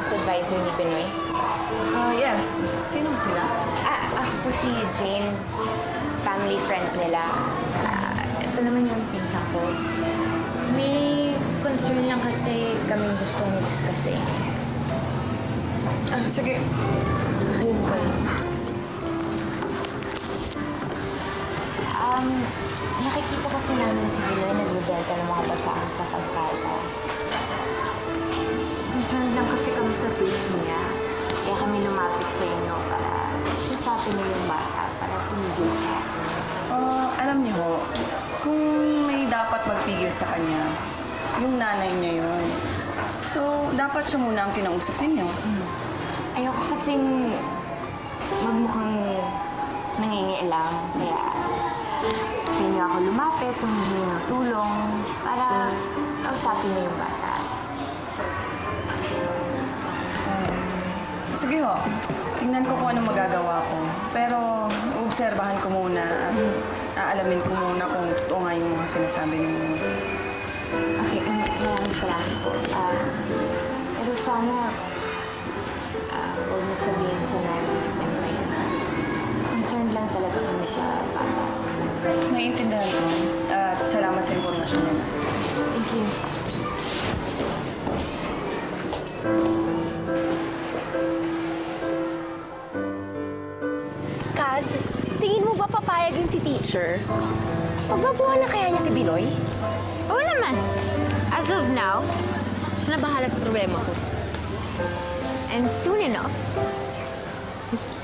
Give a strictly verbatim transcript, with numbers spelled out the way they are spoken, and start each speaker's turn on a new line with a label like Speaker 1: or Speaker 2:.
Speaker 1: class advisor ni Binoy?
Speaker 2: Ah, yes. Sino sila?
Speaker 1: Ah, ako po si Jane. Family friend nila. Ah, ito naman yung pinsan ko. May concern lang kasi kaming gustong i-discuss eh.
Speaker 2: Ah, sige. Ayun ba?
Speaker 1: Um, nakikita kasi namin si Binoy nagbibenta ng mga basahan sa kalsada. Concerned lang kasi kami sa safety niya. Kaya kami lumapit sa inyo para usapin niyo yung bata para tumigil siya.
Speaker 2: Ah, alam niyo ho, kung may dapat magpigil sa kanya, yung nanay niya yun. So, dapat siya muna ang kinausap ninyo.
Speaker 1: Hmm. Ayoko kasing magmukhang nangingialam. Kaya sa inyo ako lumapit, humingi ng tulong para kausapin niyo yung bata.
Speaker 2: Sige ho, tingnan ko kung anong magagawa ko. Pero, obserbahan ko muna at aalamin ko muna kung totoo nga yung mga sinasabi ninyo.
Speaker 1: Okay, um, maraming salamat po. Ah, pero sana, ah, huwag mo sabihin sa nanay ni Pemay na concerned lang talaga kami sa bata.
Speaker 2: Naiintindihan ko at salamat sa impormasyon niya.
Speaker 1: Thank you.
Speaker 3: Kaz, tingin mo ba papayag yun si teacher? Pagbabuhan na kaya niya si Binoy?
Speaker 1: Oo naman. As of now, siya na bahala sa problema ko. And soon enough,